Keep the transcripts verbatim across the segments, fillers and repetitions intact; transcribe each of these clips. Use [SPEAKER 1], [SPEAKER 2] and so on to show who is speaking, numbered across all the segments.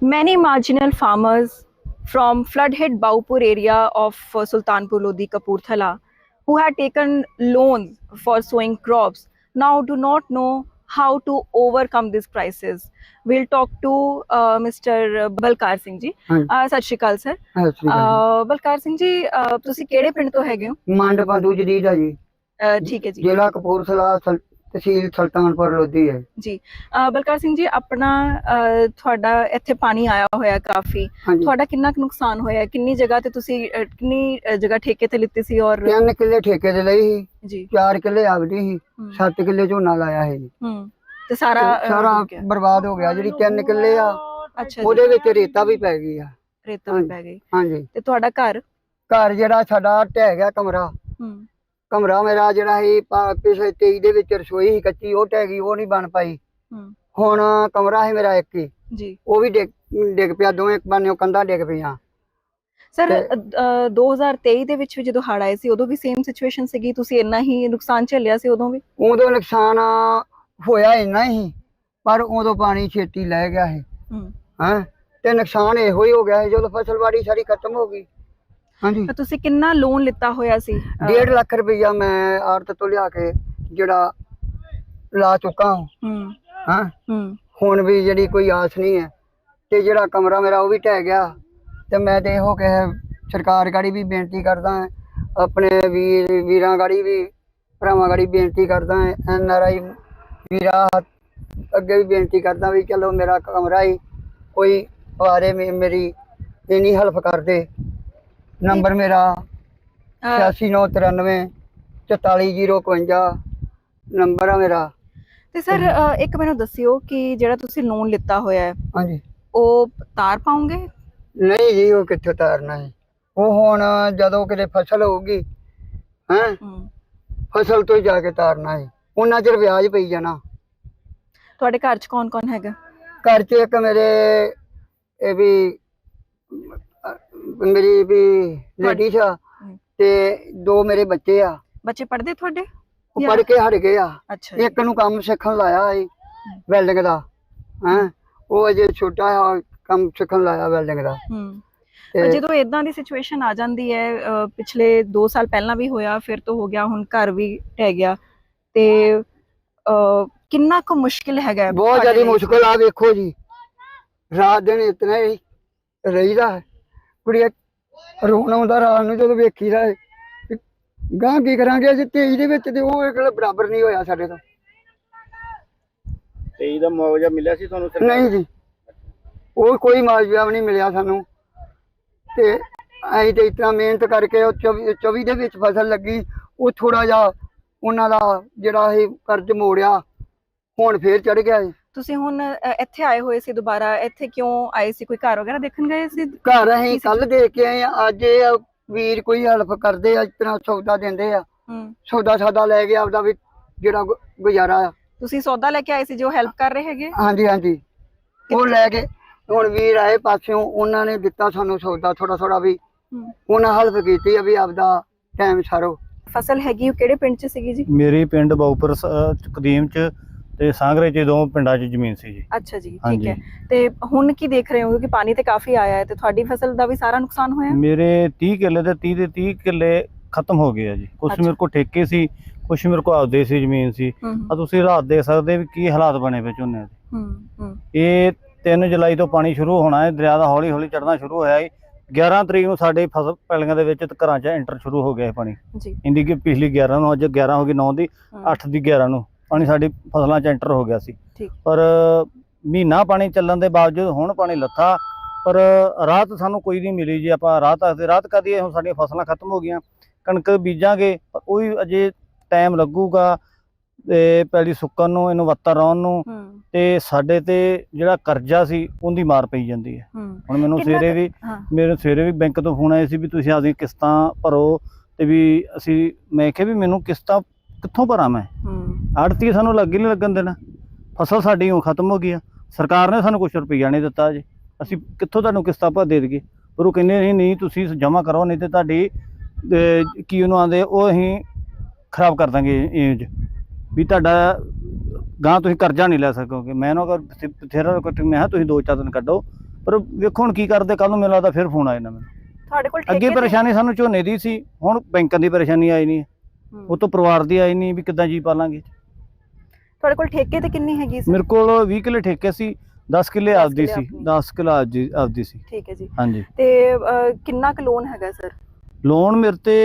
[SPEAKER 1] Many marginal farmers from flood-hit Baupur area of uh, Sultanpur Lodi, Kapurthala, who had taken loans for sowing crops, now do not know how to overcome this crisis. We'll talk to uh, Mister Balkar Singh ji.
[SPEAKER 2] ਹਾਂਜੀ
[SPEAKER 1] Uh, ਸਤਿ ਸ਼੍ਰੀ ਅਕਾਲ sir.
[SPEAKER 2] ਸਤਿ ਸ਼੍ਰੀ ਅਕਾਲ
[SPEAKER 1] uh, Balkar Singh ਜੀ, uh, ਤੁਸੀਂ ਕਿਹੜੇ ਪਿੰਡ ਤੋਂ ਹੈਗੇ ਹੋ?
[SPEAKER 2] ਜੀ। ਮੰਡ ਬੰਦੂ ਜਦੀਦ ਆ ਜੀ,
[SPEAKER 1] uh, ਠੀਕ ਹੈ ਜੀ
[SPEAKER 2] ਜ਼ਿਲ੍ਹਾ ਕਪੂਰਥਲਾ, ਸਲ- ਤਹਿਸੀਲ ਸੁਲਤਾਨਪੁਰ ਲੋਧੀ ਹੈ
[SPEAKER 1] ਜੀ। uh, ਬਲਕਾਰ ਸਿੰਘ ਜੀ, ਆਪਣਾ uh, ਤੁਹਾਡਾ ਇੱਥੇ ਪਾਣੀ ਆਇਆ ਹੋਇਆ ਕਾਫੀ,
[SPEAKER 2] ਹਾਂਜੀ।
[SPEAKER 1] ਤੁਹਾਡਾ ਕਿੰਨਾ ਕੁ ਨੁਕਸਾਨ ਹੋਇਆ? ਕਿੰਨੀ ਜਗ੍ਹਾ ਤੇ ਤੁਸੀਂ ਅਹ, ਕਿੰਨੀ ਅਹ, ਜਗ੍ਹਾ ਠੇਕੇ ਤੇ ਲਿੱਤੀ ਸੀ? ਔਰ
[SPEAKER 2] ਤਿੰਨ ਕਿੱਲੇ ਠੇਕੇ ਤੇ ਲਈ ਸੀ,
[SPEAKER 1] ਜੀ
[SPEAKER 2] ਚਾਰ ਕਿੱਲੇ ਆਪਦੀ ਸੀ,
[SPEAKER 1] ਹਮ,
[SPEAKER 2] ਸੱਤ ਕਿੱਲੇ ਝੋਨਾ ਲਾਇਆ ਹੈ ਜੀ।
[SPEAKER 1] ਹਮ, ਤੇ ਸਾਰਾ
[SPEAKER 2] ਤੇ
[SPEAKER 1] ਅਹ,
[SPEAKER 2] ਸਾਰਾ
[SPEAKER 1] ਡੁੱਬ ਗਿਆ।
[SPEAKER 2] ਬਰਬਾਦ ਹੋ ਗਿਆ। ਜਿਹੜੀ ਤਿੰਨ ਕਿੱਲੇ ਆ
[SPEAKER 1] ਅੱਛਾ ਜੀ,
[SPEAKER 2] ਉਹਦੇ ਵਿੱਚ ਰੇਤਾ ਵੀ ਪੈ ਗਈ ਆ।
[SPEAKER 1] ਰੇਤਾ ਵੀ ਪੈ ਗਈ।
[SPEAKER 2] ਹਾਂਜੀ,
[SPEAKER 1] ਤੇ ਤੁਹਾਡਾ ਘਰ?
[SPEAKER 2] ਘਰ ਜਿਹੜਾ ਸਾਡਾ ਢਹਿ ਗਿਆ, ਕਮਰਾ
[SPEAKER 1] ਹਮ,
[SPEAKER 2] ਕਮਰਾ ਮੇਰਾ ਜਿਹੜਾ ਸੀ ਪਾ- ਪਿਛਲੇ ਤੇਈ ਦੇ ਵਿੱਚ ਰਸੋਈ ਸੀ ਕੱਚੀ, ਉਹ ਢਹਿ ਗਈ, ਉਹ ਨਹੀਂ ਬਣ ਪਾਈ।
[SPEAKER 1] ਹਮ,
[SPEAKER 2] ਹੁਣ ਕਮਰਾ ਸੀ ਮੇਰਾ ਇੱਕ ਹੀ,
[SPEAKER 1] ਜੀ
[SPEAKER 2] ਉਹ ਵੀ ਡਿੱਗ ਡਿੱਗ ਪਿਆ, ਦੋਵੇਂ ਬੰਨਿਓ ਕੰਧਾਂ ਡਿੱਗ ਪਈਆਂ।
[SPEAKER 1] ਸਰ,
[SPEAKER 2] ਤੇ-
[SPEAKER 1] ਦੋ ਹਜ਼ਾਰ ਤੇਈ ਦੇ ਵਿੱਚ ਵੀ ਜਦੋਂ ਹੜ੍ਹ ਆਏ ਸੀ, ਉਦੋਂ ਵੀ ਸੇਮ ਸਿਚੁਏਸ਼ਨ ਸੀਗੀ? ਤੁਸੀਂ ਇੰਨਾ ਹੀ ਨੁਕਸਾਨ ਝੱਲਿਆ ਸੀ ਉਦੋਂ ਵੀ?
[SPEAKER 2] ਉਦੋਂ ਨੁਕਸਾਨ ਹੋਇਆ ਇੰਨਾ ਹੀ, ਪਰ ਉਦੋਂ ਪਾਣੀ ਛੇਤੀ ਲੈ ਗਿਆ ਸੀ।
[SPEAKER 1] ਹਮ,
[SPEAKER 2] ਹੈਂ ਤੇ ਨੁਕਸਾਨ ਇਹੋ ਹੀ ਹੋ ਗਿਆ ਸੀ ਜਦੋਂ ਫਸਲਵਾੜੀ ਸਾਰੀ ਖਤਮ ਹੋ ਗਈ। ਹਾਂਜੀ,
[SPEAKER 1] ਤਾਂ ਤੁਸੀਂ ਕਿੰਨਾ ਲੋਨ ਲਿੱਤਾ ਹੋਇਆ ਸੀ? ਅਹ,
[SPEAKER 2] ਡੇਢ ਲੱਖ ਰੁਪਈਆ ਮੈਂ ਆੜਤ ਤੋਂ ਲਿਆ ਕੇ ਜਿਹੜਾ ਲਾ ਚੁੱਕਾ ਹਾਂ।
[SPEAKER 1] ਹਮ,
[SPEAKER 2] ਹਾਂ
[SPEAKER 1] ਹਮ,
[SPEAKER 2] ਹੁਣ ਵੀ ਜਿਹੜੀ ਕੋਈ ਆਸ ਨਹੀਂ ਹੈ। ਤੇ ਜਿਹੜਾ ਕਮਰਾ ਮੇਰਾ ਉਹ ਵੀ ਢਹਿ ਗਿਆ। ਤੇ ਮੈਂ ਤੇ ਇਹੋ ਕਹੇ ਸਰਕਾਰ ਗਾੜੀ ਵੀ ਬੇਨਤੀ ਕਰਦਾ ਹਾਂ, ਆਪਣੇ ਵੀਰ ਵੀਰਾਂ ਗਾੜੀ ਵੀ, ਭਰਾਵਾਂ ਗਾੜੀ ਬੇਨਤੀ ਕਰਦਾ ਹਾਂ, ਐਨ ਆਰ ਆਈ ਵੀਰਾਂ ਅੱਗੇ ਵੀ ਬੇਨਤੀ ਕਰਦਾ ਵੀ ਚਲੋ ਮੇਰਾ ਕਮਰਾ ਹੀ ਕੋਈ ਆਰੇ ਮੇਰੀ ਇੰਨੀ ਹੈਲਪ ਕਰ ਦੇ। ਨੰਬਰ ਮੇਰਾ
[SPEAKER 1] ਅਹ,
[SPEAKER 2] ਛਿਆਸੀ ਨੌ ਤਰਾਨਵੇਂ ਚੁਤਾਲੀ ਜੀਰੋ ਇਕਵੰਜਾ ਨੰਬਰ ਆ ਮੇਰਾ।
[SPEAKER 1] ਤੇ ਸਰ, ਇੱਕ ਮੈਨੂੰ ਦੱਸਿਓ ਕਿ ਜਿਹੜਾ ਤੁਸੀਂ ਲੋਨ ਲਿੱਤਾ ਹੋਇਆ ਹੈ,
[SPEAKER 2] ਹਾਂਜੀ,
[SPEAKER 1] ਉਹ ਤਾਰ ਪਾਉਂਗੇ?
[SPEAKER 2] ਨਹੀਂ ਜੀ, ਉਹ ਕਿੱਥੋਂ ਤਾਰਨਾ ਹੈ? ਉਹ ਹੁਣ ਜਦੋਂ ਕਿਤੇ ਫਸਲ ਹੋਊਗੀ, ਹੈਂ
[SPEAKER 1] ਹਮ,
[SPEAKER 2] ਫਸਲ ਤੋਂ ਹੀ ਜਾ ਕੇ ਤਾਰਨਾ ਹੈ। ਉਹਨਾਂ ਚਿਰ ਵਿਆਜ ਪਈ ਜਾਣਾ।
[SPEAKER 1] ਤੁਹਾਡੇ ਘਰ 'ਚ ਕੌਣ ਕੌਣ ਹੈਗਾ?
[SPEAKER 2] ਘਰ 'ਚ ਇੱਕ ਮੇਰੇ ਇਹ ਵੀ ਮੇਰੀ ਵੀ ਲੇਡੀਜ਼ ਆ,
[SPEAKER 1] ਹਮ,
[SPEAKER 2] ਤੇ ਦੋ ਮੇਰੇ ਬੱਚੇ ਆ,
[SPEAKER 1] ਬੱਚੇ ਪੜ੍ਹਦੇ ਤੁਹਾਡੇ?
[SPEAKER 2] ਉਹ
[SPEAKER 1] ਜਾਂ-
[SPEAKER 2] ਪੜ੍ਹ ਕੇ ਹਟ ਗਏ ਆ।
[SPEAKER 1] ਅੱਛਾ ਜੀ।
[SPEAKER 2] ਇੱਕ ਨੂੰ ਕੰਮ ਸਿੱਖਣ ਲਾਇਆ ਸੀ ਵੈਲਡਿੰਗ ਦਾ, ਹੈਂ ਉਹ ਅਜੇ ਛੋਟਾ ਆ, ਕੰਮ ਸਿੱਖਣ ਲਾਇਆ ਵੈਲਡਿੰਗ ਦਾ।
[SPEAKER 1] ਹਮ,
[SPEAKER 2] ਤੇ
[SPEAKER 1] ਜਦੋਂ ਇਦਾਂ ਦੀ ਸਿਚੁਏਸ਼ਨ ਆ ਜਾਂਦੀ ਹੈ, ਅਹ, ਪਿਛਲੇ ਦੋ ਸਾਲ ਪਹਿਲਾਂ ਵੀ ਹੋਇਆ, ਫਿਰ ਤੋਂ ਹੋ ਗਿਆ, ਹੁਣ ਘਰ ਵੀ ਢਹਿ ਗਿਆ, ਤੇ ਅਹ, ਕਿੰਨਾ ਕੁ ਮੁਸ਼ਕਿਲ ਹੈਗਾ
[SPEAKER 2] ਬਹੁਤ
[SPEAKER 1] ਤੁਹਾਡੇ
[SPEAKER 2] ਜ਼ਿਆਦਾ
[SPEAKER 1] ਲਈ?
[SPEAKER 2] ਮੁਸ਼ਕਿਲ ਆ। ਵੇਖੋ ਜੀ, ਰਾਤ ਦਿਨ ਇਤਨਾ ਹੀ ਰਹੀਦਾ ਹੈ। ਕੁੜੀਆਂ ਰੋਣ ਆਉਂਦਾ ਰਾਤ ਨੂੰ ਜਦੋਂ ਵੇਖੀਦਾ ਹੈ। ਗਾਂ ਕੀ ਕਰਾਂਗੇ ਅਸੀਂ ਤੇਈ ਦੇ ਵਿੱਚ, ਤੇ ਉਹ ਇੱਕ ਬਰਾਬਰ ਨਹੀਂ ਹੋਇਆ ਸਾਡੇ ਤੋਂ।
[SPEAKER 3] ਤੇਈ ਦਾ ਮੁਆਵਜ਼ਾ ਮਿਲਿਆ ਸੀ ਤੁਹਾਨੂੰ?
[SPEAKER 2] ਨਹੀਂ ਜੀ, ਉਹ ਕੋਈ ਮੁਆਵਜ਼ਾ ਵੀ ਨਹੀਂ ਮਿਲਿਆ ਸਾਨੂੰ। ਤੇ ਅਸੀਂ ਤੇ ਇਤਨਾ ਮਿਹਨਤ ਕਰਕੇ ਉਹ ਚੌਵੀ ਚੌਵੀ ਦੇ ਵਿੱਚ ਫਸਲ ਲੱਗੀ, ਉਹ ਥੋੜਾ ਜਿਹਾ ਉਹਨਾਂ ਦਾ ਜਿਹੜਾ ਇਹ ਕਰਜ਼ ਮੋੜਿਆ, ਹੁਣ ਫੇਰ ਚੜ ਗਿਆ ਜੀ।
[SPEAKER 1] ਤੁਸੀਂ ਹੁਣ ਅਹ, ਇੱਥੇ ਆਏ ਹੋਏ ਸੀ ਦੁਬਾਰਾ? ਇੱਥੇ ਕਿਉਂ ਆਏ ਸੀ? ਕੋਈ ਘਰ ਵਗੈਰਾ ਦੇਖਣ ਗਏ ਸੀ?
[SPEAKER 2] ਘਰ ਅਸੀਂ ਕੱਲ ਦੇ ਕੇ ਆਏ ਆ। ਅੱਜ ਇਹ ਵੀਰ ਕੋਈ ਹੈਲਪ ਕਰਦੇ ਆ, ਇਸ ਤਰ੍ਹਾਂ ਸੌਦਾ ਦਿੰਦੇ ਆ,
[SPEAKER 1] ਹਮ,
[SPEAKER 2] ਸੌਦਾ ਸਾਦਾ ਲੈ ਕੇ ਆਪਦਾ ਵੀ ਜਿਹੜਾ ਗੁ- ਗੁਜ਼ਾਰਾ ਆ।
[SPEAKER 1] ਤੁਸੀਂ ਸੌਦਾ ਲੈ ਕੇ ਆਏ ਸੀ ਜੋ ਹੈਲਪ ਕਰ ਰਹੇ ਹੈਗੇ?
[SPEAKER 2] ਹਾਂਜੀ ਹਾਂਜੀ, ਉਹ ਲੈ ਕੇ ਹੁਣ ਵੀਰ ਆਏ ਪਾਸਿਓਂ, ਉਹਨਾਂ ਨੇ ਦਿੱਤਾ ਸਾਨੂੰ ਸੌਦਾ ਥੋੜਾ ਥੋੜਾ ਵੀ,
[SPEAKER 1] ਹਮ,
[SPEAKER 2] ਉਹਨਾਂ ਹੈਲਪ ਕੀਤੀ ਆ ਵੀ ਆਪਦਾ ਟਾਈਮ ਸਾਰੋ।
[SPEAKER 1] ਫਸਲ ਹੈਗੀ ਉਹ ਕਿਹੜੇ ਪਿੰਡ 'ਚ ਸੀਗੀ ਜੀ?
[SPEAKER 3] ਮੇਰੀ ਪਿੰਡ ਬਾਉਪੁਰ ਸ- ਅਹ ਕਦੀਮ ਚ ਤੇ ਸਾਂਗਰੇ ਚ, ਦੋ ਪਿੰਡਾਂ ਚ ਜ਼ਮੀਨ ਸੀ ਜੀ।
[SPEAKER 1] ਅੱਛਾ ਜੀ, ਠੀਕ
[SPEAKER 3] ਹਾਂਜੀ।
[SPEAKER 1] ਹੈ। ਤੇ ਹੁਣ ਕੀ ਦੇਖ ਰਹੇ ਹੋ? ਕਿਉਂਕਿ ਪਾਣੀ ਤੇ ਕਾਫੀ ਆਇਆ ਹੈ, ਤੇ ਤੁਹਾਡੀ ਫਸਲ ਦਾ ਵੀ ਸਾਰਾ ਨੁਕਸਾਨ ਹੋਇਆ?
[SPEAKER 3] ਮੇਰੇ ਤੀਹ ਕਿੱਲੇ ਦੇ ਤੀਹ ਦੇ ਤੀਹ ਕਿੱਲੇ ਖਤਮ ਹੋ ਗਏ ਆ ਜੀ। ਕੁਛ
[SPEAKER 1] ਅੱਛਾ।
[SPEAKER 3] ਮੇਰੇ ਕੋਲ ਠੇਕੇ ਸੀ, ਕੁਛ ਮੇਰੇ ਕੋਲ ਆਪਦੇ ਸੀ ਜ਼ਮੀਨ ਸੀ।
[SPEAKER 1] ਹਮ,
[SPEAKER 3] ਆ ਤੁਸੀਂ ਰਾਤ ਦੇਖ ਸਕਦੇ ਵੀ ਕੀ ਹਾਲਾਤ ਬਣੇ ਪਏ ਝੋਨੇ ਦੇ।
[SPEAKER 1] ਹਮ, ਹਮ,
[SPEAKER 3] ਇਹ ਤਿੰਨ ਜੁਲਾਈ ਤੋਂ ਪਾਣੀ ਸ਼ੁਰੂ ਹੋਣਾ ਹੈ, ਦਰਿਆ ਦਾ ਹੌਲੀ ਹੌਲੀ ਚੜ੍ਹਨਾ ਸ਼ੁਰੂ ਹੋਇਆ ਹੈ। ਗਿਆਰਾਂ ਤਰੀਕ ਨੂੰ ਸਾਡੇ ਫਸਲ ਪੈਲੀਆਂ ਦੇ ਵਿੱਚ ਤੇ ਘਰਾਂ 'ਚ ਐਂਟਰ ਸ਼ੁਰੂ ਹੋ ਗਿਆ ਹੈ ਪਾਣੀ।
[SPEAKER 1] ਜੀ,
[SPEAKER 3] ਇੰਦੀ ਕਿ ਪਿਛਲੀ ਗਿਆਰਾਂ ਨੂੰ, ਅੱਜ ਗਿਆਰਾਂ ਹੋ ਗਈ, ਨੌ ਦੀ,
[SPEAKER 1] ਹਮ,
[SPEAKER 3] ਅੱਠ ਦੀ ਗਿਆਰਾਂ ਨੂੰ ਪਾਣੀ ਸਾਡੀ ਫਸਲਾਂ 'ਚ ਐਂਟਰ ਹੋ ਗਿਆ ਸੀ।
[SPEAKER 1] ਠੀਕ।
[SPEAKER 3] ਪਰ ਮਹੀਨਾ ਪਾਣੀ ਚੱਲਣ ਦੇ ਬਾਵਜੂਦ ਹੁਣ ਪਾਣੀ ਲੱਥਾ, ਪਰ ਰਾਹਤ ਸਾਨੂੰ ਕੋਈ ਨਹੀਂ ਮਿਲੀ ਜੀ। ਆਪਾਂ ਰਾਹਤ ਆਖਦੇ ਰਾਹਤ ਕਰੀਏ, ਹੁਣ ਸਾਡੀਆਂ ਫਸਲਾਂ ਖਤਮ ਹੋ ਗਈਆਂ, ਕਣਕ ਬੀਜਾਂਗੇ ਪਰ ਉਹ ਵੀ ਅਜੇ ਟਾਈਮ ਲੱਗੂਗਾ, ਤੇ ਪੈਲੀ ਸੁੱਕਣ ਨੂੰ, ਇਹਨੂੰ ਵੱਤਰ ਆਉਣ ਨੂੰ,
[SPEAKER 1] ਹਮ,
[SPEAKER 3] ਤੇ ਸਾਡੇ ਤੇ ਜਿਹੜਾ ਕਰਜ਼ਾ ਸੀ ਉਹਦੀ ਮਾਰ ਪਈ ਜਾਂਦੀ ਹੈ।
[SPEAKER 1] ਹਮ,
[SPEAKER 3] ਹੁਣ ਮੈਨੂੰ
[SPEAKER 1] ਕਿੰਨਾ
[SPEAKER 3] ਸਵੇਰੇ
[SPEAKER 1] ਕੁ-
[SPEAKER 3] ਵੀ
[SPEAKER 1] ਹਾਂ,
[SPEAKER 3] ਮੇਰੇ ਸਵੇਰੇ ਵੀ ਬੈਂਕ ਤੋਂ ਫੋਨ ਆਇਆ ਸੀ ਵੀ ਤੁਸੀਂ ਆਪਦੀਆਂ ਕਿਸ਼ਤਾਂ ਭਰੋ, ਤੇ ਵੀ ਅਸੀਂ, ਮੈਂ ਕਿਹਾ ਵੀ ਮੈਨੂੰ ਕਿਸ਼ਤਾਂ ਕਿੱਥੋਂ ਭਰਾਂ ਮੈਂ?
[SPEAKER 1] ਹਮ,
[SPEAKER 3] ਆੜਤੀ ਸਾਨੂੰ ਲੱਗ ਹੀ ਨਹੀਂ ਲੱਗਣ ਦੇਣਾ। ਫਸਲ ਸਾਡੀ ਹੁਣ ਖਤਮ ਹੋ ਗਈ ਆ, ਸਰਕਾਰ ਨੇ ਸਾਨੂੰ ਕੁਛ ਰੁਪਈਆ ਨਹੀਂ ਦਿੱਤਾ ਜੀ, ਅਸੀਂ ਕਿੱਥੋਂ ਤੁਹਾਨੂੰ ਕਿਸ਼ਤਾਂ ਭਰ ਦੇ ਦੇਈਏ? ਪਰ ਉਹ ਕਹਿੰਦੇ ਨਹੀਂ ਨਹੀਂ ਤੁਸੀਂ ਜਮ੍ਹਾਂ ਕਰੋ, ਨਹੀਂ ਤੇ ਤੁਹਾਡੀ ਅਹ, ਕੀ ਉਹਨੂੰ ਆਂਦੇ, ਉਹ ਅਸੀਂ ਖਰਾਬ ਕਰ ਦਾਂਗੇ ਏਜ ਵੀ ਤੁਹਾਡਾ ਗਾਂ ਤੁਸੀਂ ਕਰਜ਼ਾ ਨਹੀਂ ਲੈ ਸਕੋਗੇ। ਮੈਂ ਨਾ ਅਗਰ ਬਥੇਰਾ ਮੈਂ ਕਿਹਾ ਤੁਸੀਂ ਦੋ ਚਾਰ ਦਿਨ ਕੱਢੋ, ਪਰ ਵੇਖੋ ਹੁਣ ਕੀ ਕਰਦੇ, ਕੱਲ ਨੂੰ ਮੈਨੂੰ ਲੱਗਦਾ ਫਿਰ ਫੋਨ ਆਏ ਨਾ ਮੈਨੂੰ।
[SPEAKER 1] ਤੁਹਾਡੇ ਕੋਲ
[SPEAKER 3] ਅੱਗੇ
[SPEAKER 1] ਠੇਕੇ ਤੇ-
[SPEAKER 3] ਪਰੇਸ਼ਾਨੀ ਸਾਨੂੰ ਝੋਨੇ ਦੀ ਸੀ, ਹੁਣ ਬੈਂਕਾਂ ਦੀ ਪਰੇਸ਼ਾਨੀ ਆਈ ਨਹੀਂ,
[SPEAKER 1] ਹੂੰ।
[SPEAKER 3] ਉਹ ਤੋਂ ਪਰਿਵਾਰ ਦੀ ਆਈ ਨਹੀਂ ਵੀ ਕਿੱਦਾਂ ਜੀ ਪਾਲਾਂਗੇ।
[SPEAKER 1] ਤੁਹਾਡੇ ਕੋਲ ਠੇਕੇ ਤੇ ਕਿੰਨੀ ਹੈਗੀ ਸੀ?
[SPEAKER 3] ਮੇਰੇ ਕੋਲ ਵੀਹ ਕਿੱਲੇ ਠੇਕੇ ਸੀ, ਦਸ ਕਿੱਲੇ
[SPEAKER 1] ਦਸ
[SPEAKER 3] ਆਪਦੀ
[SPEAKER 1] ਕਿੱਲੇ
[SPEAKER 3] ਸੀ,
[SPEAKER 1] ਆਪਣੀ।
[SPEAKER 3] ਦਸ ਕਿੱਲਾ ਆਪਦੀ ਆਪਦੀ ਸੀ।
[SPEAKER 1] ਠੀਕ ਹੈ ਜੀ।
[SPEAKER 3] ਹਾਂਜੀ,
[SPEAKER 1] ਤੇ ਅਹ, ਕਿੰਨਾ ਕੁ ਲੋਨ ਹੈਗਾ ਸਰ?
[SPEAKER 3] ਲੋਨ ਮੇਰੇ ਤੇ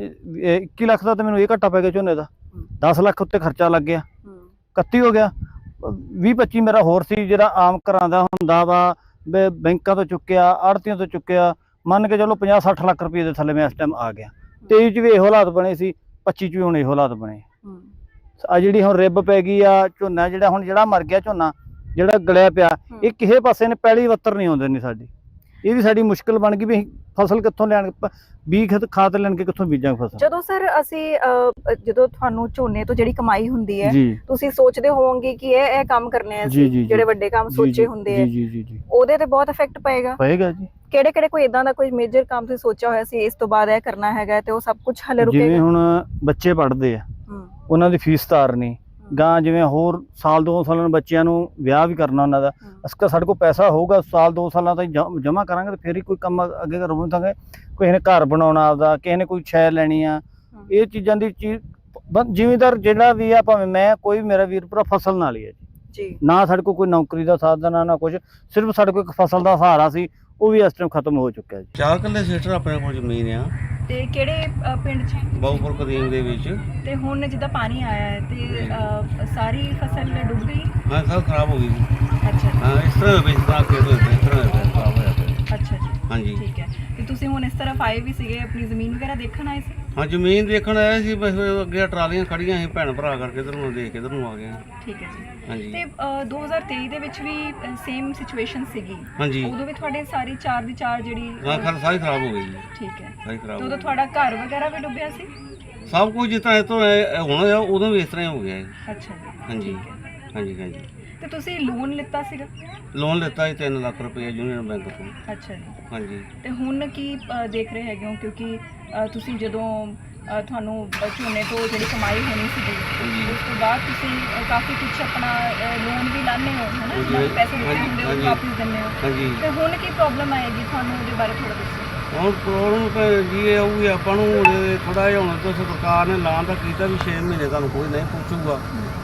[SPEAKER 3] ਇਹ ਇੱਕੀ ਲੱਖ ਦਾ ਤੇ ਮੈਨੂੰ ਇਹ ਘਾਟਾ ਪੈ ਗਿਆ ਝੋਨੇ ਦਾ,
[SPEAKER 1] ਹੂੰ।
[SPEAKER 3] ਦਸ ਲੱਖ ਉੱਤੇ ਖਰਚਾ ਲੱਗ ਗਿਆ,
[SPEAKER 1] ਹੂੰ।
[SPEAKER 3] ਇਕੱਤੀ ਹੋ ਗਿਆ। ਵੀਹ ਪੱਚੀ ਮੇਰਾ ਹੋਰ ਸੀ ਜਿਹੜਾ ਆਮ ਘਰਾਂ ਦਾ ਹੁੰਦਾ ਵਾ, ਵੀ ਬੈਂਕਾਂ ਤੋਂ ਚੁੱਕਿਆ, ਆੜ੍ਹਤੀਆਂ ਤੋਂ ਚੁੱਕਿਆ, ਮੰਨ ਕੇ ਚਲੋ ਪੰਜਾਹ ਸੱਠ ਲੱਖ ਰੁਪਏ ਦੇ ਥੱਲੇ ਮੈਂ ਇਸ ਟਾਈਮ ਆ ਗਿਆ। ਤੇਈ ਚ ਵੀ ਇਹੋ ਹਾਲਾਤ ਬਣੇ ਸੀ, ਪੱਚੀ ਚ ਵੀ ਹੁਣ ਇਹੋ ਹਾਲਾਤ ਬਣੇ।
[SPEAKER 1] ਹੂੰ।
[SPEAKER 3] ਆ ਜਿਹੜੀ ਹੁਣ ਰਿੱਬ ਪੈ ਗਈ ਆ, ਝੋਨਾ ਜਿਹੜਾ ਹੁਣ ਜਿਹੜਾ ਮਰ ਗਿਆ, ਝੋਨਾ ਜਿਹੜਾ ਗਲਿਆ ਪਿਆ, ਇਹ ਕਿਸੇ ਪਾਸੇ ਨੇ ਪਹਿਲੀ ਵੱਤਰ ਨਹੀਂ ਆਉਂਦੇ ਨਹੀਂ ਸਾਡੀ। ਇਹ ਵੀ ਸਾਡੀ ਮੁਸ਼ਕਲ ਬਣ ਗਈ ਵੀ ਅਸੀਂ ਫਸਲ ਕਿੱਥੋਂ ਲੈਣ, ਬੀਜ ਖਤ ਖਾਦ ਲੈਣ ਕੇ ਕਿੱਥੋਂ ਬੀਜਾਂਗੇ ਫਸਲ।
[SPEAKER 1] ਜਦੋਂ ਸਰ ਅਸੀਂ ਅਹ, ਜਦੋਂ ਤੁਹਾਨੂੰ ਝੋਨੇ ਤੋਂ ਜਿਹੜੀ ਕਮਾਈ ਹੁੰਦੀ ਹੈ,
[SPEAKER 3] ਜੀ
[SPEAKER 1] ਤੁਸੀਂ ਸੋਚਦੇ ਹੋਵੋਗੇ ਕਿ ਇਹ ਇਹ ਕੰਮ ਕਰਨੇ ਆ
[SPEAKER 3] ਜੀ, ਜੀ,
[SPEAKER 1] ਅਸੀਂ,
[SPEAKER 3] ਜੀ।
[SPEAKER 1] ਜਿਹੜੇ ਵੱਡੇ ਕੰਮ
[SPEAKER 3] ਜੀ,
[SPEAKER 1] ਸੋਚੇ
[SPEAKER 3] ਜੀ,
[SPEAKER 1] ਹੁੰਦੇ ਆ,
[SPEAKER 3] ਜੀ ਜੀ ਜੀ ਜੀ
[SPEAKER 1] ਉਹਦੇ ਤੇ ਬਹੁਤ ਇਫੈਕਟ ਪਏਗਾ।
[SPEAKER 3] ਪਏਗਾ ਜੀ।
[SPEAKER 1] ਕਿਹੜੇ ਕਿਹੜੇ ਕੋਈ ਇਦਾਂ ਦਾ ਕੋਈ ਮੇਜਰ ਕੰਮ ਤੁਸੀਂ ਸੋਚਿਆ ਹੋਇਆ ਸੀ ਇਸ ਤੋਂ ਬਾਅਦ ਇਹ ਕਰਨਾ ਹੈਗਾ, ਤੇ ਉਹ ਸਭ ਕੁਝ ਹਲੇ
[SPEAKER 3] ਜਿਵੇਂ
[SPEAKER 1] ਰੁਕੇਗਾ?
[SPEAKER 3] ਹੁਣ ਬੱਚੇ ਪੜ੍ਹਦੇ ਆ,
[SPEAKER 1] ਹੂੰ।
[SPEAKER 3] ਉਹਨਾਂ ਦੀ ਫੀਸ ਤਾਰਨੀ, ਗਾਂ ਜਿਵੇਂ ਹੋਰ ਸਾਲ ਦੋ ਸਾਲਾਂ ਨੂੰ ਬੱਚਿਆਂ ਨੂੰ ਵਿਆਹ ਵੀ ਕਰਨਾ ਉਹਨਾਂ ਦਾ,
[SPEAKER 1] ਹੂੰ।
[SPEAKER 3] ਅਸਕਾ ਸਾਡੇ ਕੋਲ ਪੈਸਾ ਹੋਊਗਾ ਸਾਲ ਦੋ ਸਾਲਾਂ ਤੱਕ ਜਮ੍ਹਾਂ ਕਰਾਂਗੇ ਤੇ ਫਿਰ ਹੀ ਕੋਈ ਕੰਮ ਅੱਗੇ ਕਰਵਾਵਾਂਗੇ। ਕਿਸੇ ਨੇ ਘਰ ਬਣਾਉਣਾ ਆਪਦਾ, ਕਿਸੇ ਨੇ ਕੋਈ ਸ਼ੈ ਲੈਣੀ ਆ,
[SPEAKER 1] ਹੂੰ।
[SPEAKER 3] ਇਹ ਚੀਜ਼ਾਂ ਦੀ ਚੀਜ਼ ਬ- ਜ਼ਿਮੀਂਦਾਰ ਜਿਹੜਾ ਵੀ ਆ, ਭਾਵੇਂ ਮੈਂ ਕੋਈ ਵੀ ਮੇਰਾ ਵੀਰ ਭਰਾ, ਫਸਲ ਨਾਲ ਹੀ ਹੈ ਜੀ।
[SPEAKER 1] ਜੀ।
[SPEAKER 3] ਨਾ ਸਾਡੇ ਕੋਲ ਕੋਈ ਨੌਕਰੀ ਦਾ ਸਾਧਨ ਆ ਨਾ ਕੁਝ, ਸਿਰਫ ਸਾਡੇ ਕੋਲ ਇੱਕ ਫਸਲ ਦਾ ਸਹਾਰਾ ਸੀ, ਉਹ ਵੀ ਇਸ ਟਾਈਮ ਖਤਮ ਹੋ ਚੁੱਕਿਆ ਜੀ।
[SPEAKER 4] ਚਾਰ ਕਿੱਲੇ ਸਿਸਟਰ ਆਪਣੇ ਕੋਲ ਜ਼ਮੀਨ ਆ
[SPEAKER 1] ਤੇ ਕਿਹੜੇ ਅਹ, ਪਿੰਡ 'ਚ?
[SPEAKER 4] ਬਹੁਪੁਰ ਕਦੀਮ ਦੇ ਵਿੱਚ।
[SPEAKER 1] ਤੇ ਹੁਣ ਜਿੱਦਾਂ ਪਾਣੀ ਆਇਆ ਹੈ ਤੇ ਅਹ, ਸਾਰੀ ਫਸਲ ਡੁੱਬ ਗਈ?
[SPEAKER 4] ਹਾਂ ਸਭ ਖਰਾਬ ਹੋ ਗਈ ਜੀ।
[SPEAKER 1] ਅੱਛਾ ਜੀ।
[SPEAKER 4] ਹਾਂ ਇਸ ਤਰ੍ਹਾਂ ਹੋਇਆ, ਇਸ ਤਰ੍ਹਾਂ ਖੇਤ ਹੋਏ ਪਏ, ਇਸ ਤਰ੍ਹਾਂ ਹੋਇਆ ਪਿਆ, ਖਰਾਬ ਹੋਇਆ ਪਿਆ।
[SPEAKER 1] ਅੱਛਾ ਜੀ।
[SPEAKER 4] ਹਾਂਜੀ।
[SPEAKER 1] ਠੀਕ ਹੈ। ਤੇ ਤੁਸੀਂ ਹੁਣ ਇਸ ਤਰ੍ਹਾਂ ਆਏ ਵੀ ਸੀਗੇ, ਆਪਣੀ ਜ਼ਮੀਨ ਵਗੈਰਾ ਦੇਖਣ ਆਏ ਸੀ?
[SPEAKER 4] ਹਾਂ ਜ਼ਮੀਨ ਦੇਖਣ ਆਇਆ ਸੀ, ਬਸ ਉਹ ਅੱਗੇ ਟਰਾਲੀਆਂ ਖੜੀਆਂ ਸੀ, ਭੈਣ ਭਰਾ ਕਰਕੇ ਇੱਧਰ ਨੂੰ ਦੇਖ ਕੇ ਇੱਧਰ ਨੂੰ ਆ ਗਏ।
[SPEAKER 1] ਠੀਕ ਹੈ ਜੀ।
[SPEAKER 4] ਹਾਂਜੀ
[SPEAKER 1] ਤੇ ਅਹ, ਦੋ ਹਜ਼ਾਰ ਤੇਈ ਦੇ ਵਿੱਚ ਵੀ ਸੇਮ ਸਿਚੁਏਸ਼ਨ ਸੀਗੀ?
[SPEAKER 4] ਹਾਂਜੀ।
[SPEAKER 1] ਉਦੋਂ ਵੀ ਤੁਹਾਡੇ ਸਾਰੀ ਚਾਰ ਦੀ ਚਾਰ ਜਿਹੜੀ
[SPEAKER 4] ਹਾਂ ਖਰ ਸਾਰੀ ਖਰਾਬ ਹੋ ਗਈ ਜੀ,
[SPEAKER 1] ਠੀਕ ਹੈ।
[SPEAKER 4] ਸਾਰੀ ਖਰਾਬ
[SPEAKER 1] ਤੇ
[SPEAKER 4] ਹੋ
[SPEAKER 1] ਉਦੋਂ
[SPEAKER 4] ਗਈ।
[SPEAKER 1] ਤੁਹਾਡਾ ਘਰ ਵਗੈਰਾ ਵੀ ਡੁੱਬਿਆ ਸੀ?
[SPEAKER 4] ਸਭ ਕੁਝ ਜਿਸ ਤਰ੍ਹਾਂ ਇੱਥੋਂ ਇਹ ਹੁਣ ਹੋਇਆ, ਉਦੋਂ ਵੀ ਇਸ ਤਰ੍ਹਾਂ ਹੀ ਹੋ ਗਿਆ ਜੀ।
[SPEAKER 1] ਅੱਛਾ ਜੀ।
[SPEAKER 4] ਹਾਂਜੀ
[SPEAKER 1] ਠੀਕ ਹੈ।
[SPEAKER 4] ਹਾਂਜੀ ਹਾਂਜੀ।
[SPEAKER 1] ਤੇ ਤੁਸੀਂ ਲੋਨ ਲਿੱਤਾ ਸੀਗਾ?
[SPEAKER 4] ਲੋਨ ਲਿੱਤਾ ਸੀ ਤਿੰਨ ਲੱਖ ਰੁਪਏ ਯੂਨੀਅਨ ਬੈਂਕ ਤੋਂ।
[SPEAKER 1] ਅੱਛਾ ਜੀ।
[SPEAKER 4] ਹਾਂਜੀ।
[SPEAKER 1] ਤੇ ਹੁਣ ਕੀ ਅਹ, ਦੇਖ ਰਹੇ ਹੈਗੇ ਹੋ, ਕਿਉਂਕਿ ਅਹ, ਤੁਸੀਂ ਜਦੋਂ ਅਹ, ਤੁਹਾਨੂੰ ਅਹ, ਝੋਨੇ ਤੋਂ ਜਿਹੜੀ ਕਮਾਈ ਹੋਣੀ ਸੀਗੀ,
[SPEAKER 4] ਹਾਂਜੀ।
[SPEAKER 1] ਉਸ ਤੋਂ ਬਾਅਦ ਤੁਸੀਂ ਅਹ, ਕਾਫੀ ਕੁਝ ਆਪਣਾ ਲੋਨ ਵੀ ਲਾਣੇ ਹੋ, ਹੈ ਨਾ?
[SPEAKER 4] ਹਾਂਜੀ,
[SPEAKER 1] ਨਾਲ ਪੈਸੇ ਦਿੱਤੇ
[SPEAKER 4] ਹਾਂਜੀ,
[SPEAKER 1] ਹੁੰਦੇ ਉਹ
[SPEAKER 4] ਹਾਂਜੀ।
[SPEAKER 1] ਵਾਪਸ ਦਿੰਦੇ ਹੋ।
[SPEAKER 4] ਹਾਂਜੀ।
[SPEAKER 1] ਤੇ ਹੁਣ ਕੀ ਪ੍ਰੋਬਲਮ ਆਏਗੀ ਤੁਹਾਨੂੰ, ਉਹਦੇ ਬਾਰੇ ਥੋੜਾ ਦੱਸੋ।
[SPEAKER 4] ਹੁਣ ਪ੍ਰੋਬਲਮ ਤਾਂ ਜੀ ਇਹ ਆਊਗੀ ਆਪਾਂ ਨੂੰ, ਥੋੜਾ ਜਿਹਾ ਹੁਣ ਤੋਂ ਸਰਕਾਰ ਨੇ ਐਲਾਨ ਤਾਂ ਕੀਤਾ ਵੀ ਛੇ ਮਹੀਨੇ ਤੁਹਾਨੂੰ ਕੋਈ ਨਹੀਂ ਪੁੱਛੂਗਾ।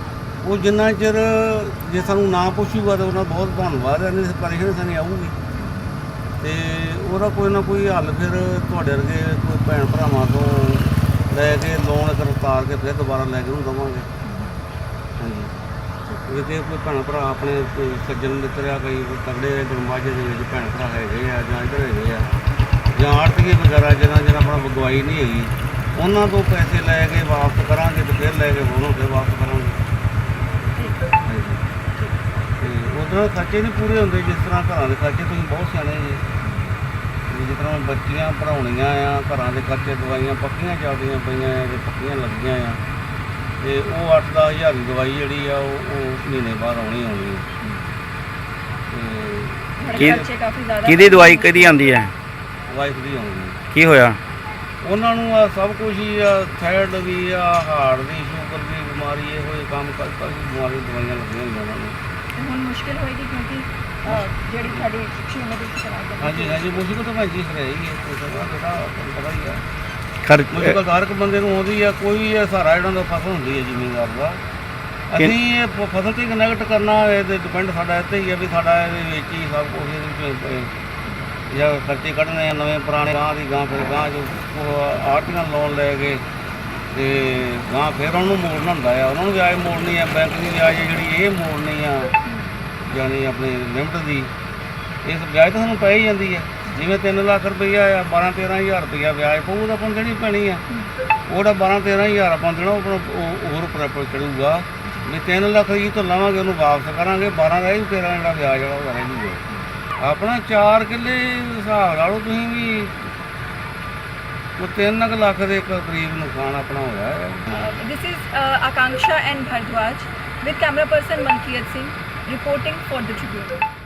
[SPEAKER 4] ਉਹ ਜਿੰਨਾ ਚਿਰ ਜੇ ਸਾਨੂੰ ਨਾ ਪੁੱਛੂਗਾ ਤਾਂ ਉਹਨਾਂ ਬਹੁਤ ਧੰਨਵਾਦ ਹੈ, ਨਹੀਂ ਪਰੇਸ਼ਾਨੀ ਸਾਨੂੰ ਆਊਗੀ ਤੇ ਉਹਦਾ ਕੋਈ ਨਾ ਕੋਈ ਹੱਲ ਫਿਰ ਤੁਹਾਡੇ ਵਰਗੇ ਕੋਈ ਭੈਣ ਭਰਾਵਾਂ ਤੋਂ ਲੈ ਕੇ ਲੋਨ ਕਰਤਾਰ ਕੇ ਫਿਰ ਦੁਬਾਰਾ ਲੈ ਕੇ ਉਹਨੂੰ ਦੇਵਾਂਗੇ। ਹਾਂਜੀ। ਜੇ ਕੋਈ ਭੈਣ ਭਰਾ ਆਪਣੇ ਕੋਈ ਸੱਜਣ ਮਿੱਤਰ ਆ, ਕਈ ਤਗੜੇ ਗੁਰਮਾਜੇ ਦੇ ਵਿੱਚ ਭੈਣ ਭਰਾ ਹੈਗੇ ਆ ਜਾਂ ਇੱਧਰ ਹੈਗੇ ਆ, ਜਾਂ ਆੜ੍ਹਤੀਏ ਵਗੈਰਾ ਜਿਹਨਾਂ ਜਿਹਨਾਂ ਆਪਣਾ ਅਗਵਾਈ ਨਹੀਂ ਹੈਗੀ, ਉਹਨਾਂ ਤੋਂ ਪੈਸੇ ਲੈ ਕੇ ਵਾਪਸ ਕਰਾਂਗੇ ਤੇ ਫਿਰ ਲੈ ਕੇ ਉਹਨੂੰ ਫਿਰ ਵਾਪਸ ਕਰਾਂਗੇ। ਹਾਂਜੀ। ਤੇ ਉਦੋਂ ਖਰਚੇ ਨਹੀਂ ਪੂਰੇ ਹੁੰਦੇ, ਜਿਸ ਤਰ੍ਹਾਂ ਘਰਾਂ ਦੇ ਖਰਚੇ ਤੁਸੀਂ ਬਹੁਤ ਸਿਆਣੇ ਜੀ, ਜਿਸ ਤਰ੍ਹਾਂ ਬੱਚੀਆਂ ਪੜ੍ਹਾਉਣੀਆਂ ਆ, ਘਰਾਂ ਦੇ ਖਰਚੇ, ਦਵਾਈਆਂ ਪੱਕੀਆਂ ਚੱਲਦੀਆਂ ਪਈਆਂ ਆ ਤੇ ਪੱਕੀਆਂ ਲੱਗੀਆਂ ਆ, ਤੇ ਉਹ ਅੱਠ ਦਸ ਹਜ਼ਾਰ ਦੀ ਦਵਾਈ ਜਿਹੜੀ ਆ ਉਹ ਉਹ ਮਹੀਨੇ ਬਾਅਦ ਆਉਣੀ ਆਉਣੀ ਤੇ
[SPEAKER 1] ਤੁਹਾਡੇ ਖਰਚੇ ਕਾਫੀ ਜ਼ਿਆਦਾ?
[SPEAKER 5] ਕਿਹਦੀ ਦਵਾਈ ਕਿਹਦੀ ਆਉਂਦੀ ਹੈ?
[SPEAKER 4] ਵਾਈਫ ਦੀ ਆਉਣੀ।
[SPEAKER 5] ਕੀ ਹੋਇਆ?
[SPEAKER 4] ਉਹਨਾਂ ਨੂੰ ਆ ਸਭ ਕੁਝ ਹੀ ਆ, ਥਾਇਰਡ ਵੀ ਆ, ਹਾਰਟ ਦੀ, ਸ਼ੂਗਰ ਦੀ ਬਿਮਾਰੀ, ਇਹੋ ਜਿਹੇ ਕੰਮ ਕਰ ਕਰ ਬਿਮਾਰੀ ਦੀਆਂ ਦਵਾਈਆਂ ਲੱਗੀਆਂ ਹੋਈਆਂ ਉਹਨਾਂ ਨੂੰ।
[SPEAKER 1] ਤੇ ਹੁਣ ਮੁਸ਼ਕਿਲ ਹੋਏਗੀ ਕਿਉਂਕਿ ਅਹ, ਜਿਹੜੀ ਤੁਹਾਡੀ ਝੋਨੇ ਦੀ ਫਸਲ ਆ ਗਈ।
[SPEAKER 4] ਹਾਂਜੀ ਹਾਂਜੀ ਮੁਸ਼ਕਿਲ ਤਾਂ ਭਾਜੀ ਫਿਰ ਰਹੀ ਹੈ, ਕੋਈ ਤਾਂ ਜਿਹੜਾ ਤੁਹਾਨੂੰ ਪਤਾ ਹੀ ਆ,
[SPEAKER 5] ਖਰ
[SPEAKER 4] ਮੁਸ਼ਕਿਲ ਹਰ ਇੱਕ ਬੰਦੇ ਨੂੰ ਆਉਂਦੀ ਆ। ਕੋਈ ਇਹ ਸਹਾਰਾ ਜਿਹੜਾ ਦਾ ਫਸਲ ਹੁੰਦੀ ਹੈ ਜ਼ਿਮੀਂਦਾਰ ਦਾ। ਅਸੀਂ ਇਹ ਪ- ਫਸਲ ਤੇ ਕਨੈਕਟ ਕਰਨਾ, ਇਹਦੇ ਡਿਪੈਂਡ ਸਾਡਾ ਇੱਥੇ ਹੀ ਆ ਵੀ ਸਾਡਾ ਇਹਦੇ ਵਿੱਚ ਹੀ ਸਭ ਕੁਝ ਇਹਦੇ ਵਿੱਚ ਜਾਂ ਖਰਚੇ ਕੱਢਣੇ ਆ, ਨਵੇਂ ਪੁਰਾਣੇ ਗਾਂ ਦੀ ਗਾਂ, ਫਿਰ ਗਾਂ ਜੋ ਆੜ੍ਹਤੀਆਂ ਲੋਨ ਲੈ ਕੇ ਤੇ ਗਾਂ ਫਿਰ ਉਹਨੂੰ ਮੋੜਨਾ ਹੁੰਦਾ ਆ, ਉਹਨਾਂ ਨੂੰ ਵਿਆਜ ਮੋੜਨੀ ਆ, ਬੈਂਕ ਦੀ ਵਿਆਜ ਜਿਹੜੀ ਇਹ ਮੋੜਨੀ ਆ, ਯਾਨੀ ਆਪਣੀ ਲਿਮਟ ਦੀ। ਇਸ ਵਿਆਜ ਤਾਂ ਸਾਨੂੰ ਪੈ ਹੀ ਜਾਂਦੀ ਹੈ, ਜਿਵੇਂ ਤਿੰਨ ਲੱਖ ਰੁਪਈਆ ਆ, ਬਾਰਾਂ ਤੇਰਾਂ ਹਜ਼ਾਰ ਰੁਪਈਆ ਵਿਆਜ ਪਊ ਤਾਂ ਆਪਾਂ ਨੂੰ ਦੇਣੀ ਪੈਣੀ ਆ। ਉਹਦਾ ਬਾਰਾਂ ਤੇਰਾਂ ਹਜ਼ਾਰ ਆਪਾਂ ਦੇਣਾ, ਉਹ ਆਪਣਾ ਉਹ ਹੋਰ ਪ੍ਰੋਪਰ ਚੜੂਗਾ ਵੀ ਤਿੰਨ ਲੱਖ ਜੀ ਤੋਂ ਲਵਾਂਗੇ, ਉਹਨੂੰ ਵਾਪਸ ਕਰਾਂਗੇ, ਬਾਰਾਂ ਰਹਿ ਜੂ, ਤੇਰਾਂ ਜਿਹੜਾ ਵਿਆਜ ਜਿਹੜਾ ਉਹ ਰਹਿ ਜੂਗਾ। ਆਪਣਾ ਚਾਰ ਕਿੱਲੇ ਹਿਸਾਬ ਲਾ ਲਓ ਤੁਸੀਂ ਵੀ, ਉਹ ਤਿੰਨ ਕੁ ਲੱਖ ਦੇ ਕਰੀਬ ਨੁਕਸਾਨ ਆਪਣਾ ਹੋਇਆ ਹੈ।
[SPEAKER 1] This is uh, Akanksha and Bhardwaj with camera person Malkiyat Singh reporting for the Tribune.